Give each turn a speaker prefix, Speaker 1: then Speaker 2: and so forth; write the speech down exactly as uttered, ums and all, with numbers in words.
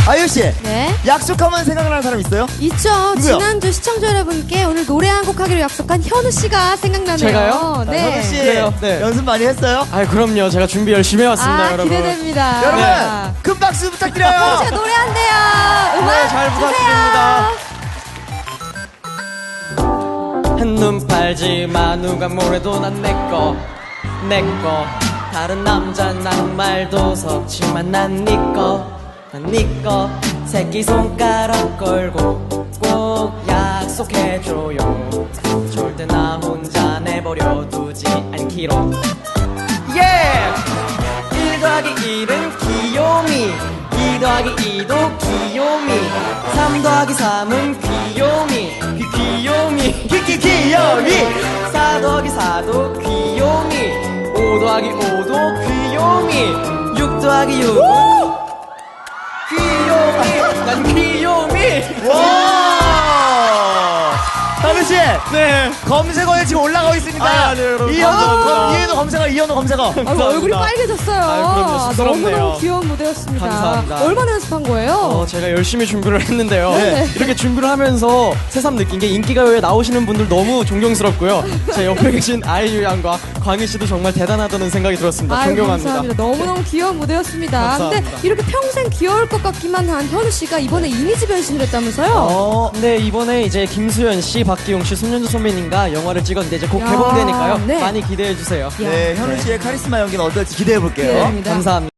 Speaker 1: 아유씨.
Speaker 2: 네.
Speaker 1: 약속하면 생각나는 사람 있어요?
Speaker 2: 있죠.
Speaker 1: 누구요?
Speaker 2: 지난주 시청자 여러분께 오늘 노래 한 곡 하기로 약속한 현우 씨가 생각나네요.
Speaker 3: 제가요?
Speaker 2: 네.
Speaker 1: 현우 씨.
Speaker 3: 그래요, 네.
Speaker 1: 연습 많이 했어요?
Speaker 3: 아, 그럼요. 제가 준비 열심히 해왔습니다,
Speaker 2: 아,
Speaker 3: 여러분.
Speaker 2: 기대됩니다.
Speaker 1: 여러분,
Speaker 2: 네.
Speaker 1: 큰 박수 부탁드려요.
Speaker 2: 현우 씨가 노래한대요. 음악
Speaker 3: 네, 잘 부탁드립니다.
Speaker 2: 주세요.
Speaker 3: 한눈 팔지 마. 누가 뭐래도 난 내꺼 내꺼. 다른 남자 난 말도 섞지만 난 니꺼 난 니꺼. 새끼손가락 걸고 꼭 약속해줘요. 절대 나 혼자 내버려 두지 않기로. 예! 일 더하기 일은 귀요미. 이 더하기 이도 귀요미. 삼 더하기 삼은 귀요미. 귀 귀요미.
Speaker 1: 키키 귀요미.
Speaker 3: 사 더하기 사도 귀요미. 오 더하기 오도 귀요미. 육 더하기 육은 귀요미. 난 귀요미.
Speaker 1: 와! 현우씨.
Speaker 3: 네.
Speaker 1: 검색어에 지금 올라가고 있습니다.
Speaker 3: 아, 네, 여러분.
Speaker 1: 이현우,
Speaker 3: 감사합니다.
Speaker 1: 검, 이현우 검색어, 이현우 검색어.
Speaker 2: 아이고, 얼굴이 빨개졌어요.
Speaker 3: 아유, 그럼요. 쑥스럽네요.
Speaker 2: 너무너무 귀여운 무대였습니다.
Speaker 3: 감사합니다.
Speaker 2: 얼마나 연습한 거예요?
Speaker 3: 어, 제가 열심히 준비를 했는데요.
Speaker 2: 네.
Speaker 3: 이렇게 준비를 하면서 새삼 느낀 게 인기가요에 나오시는 분들 너무 존경스럽고요. 제 옆에 계신 아이유 양과 광희 씨도 정말 대단하다는 생각이 들었습니다.
Speaker 2: 아유,
Speaker 3: 존경합니다.
Speaker 2: 감사합니다. 너무너무 귀여운 무대였습니다.
Speaker 3: 감사합니다.
Speaker 2: 근데 이렇게 평생 귀여울 것 같기만 한 현우 씨가 이번에 이미지 변신을 했다면서요?
Speaker 1: 어,
Speaker 3: 네, 이번에 이제 김수현 씨, 박기용 씨, 손윤주 선배님과 영화를 찍었는데 이제 곧
Speaker 2: 야,
Speaker 3: 개봉되니까요.
Speaker 2: 네.
Speaker 3: 많이 기대해 주세요.
Speaker 1: 네, 현우 씨의 카리스마 연기는 어떨지 기대해 볼게요.
Speaker 2: 기대됩니다.
Speaker 3: 감사합니다.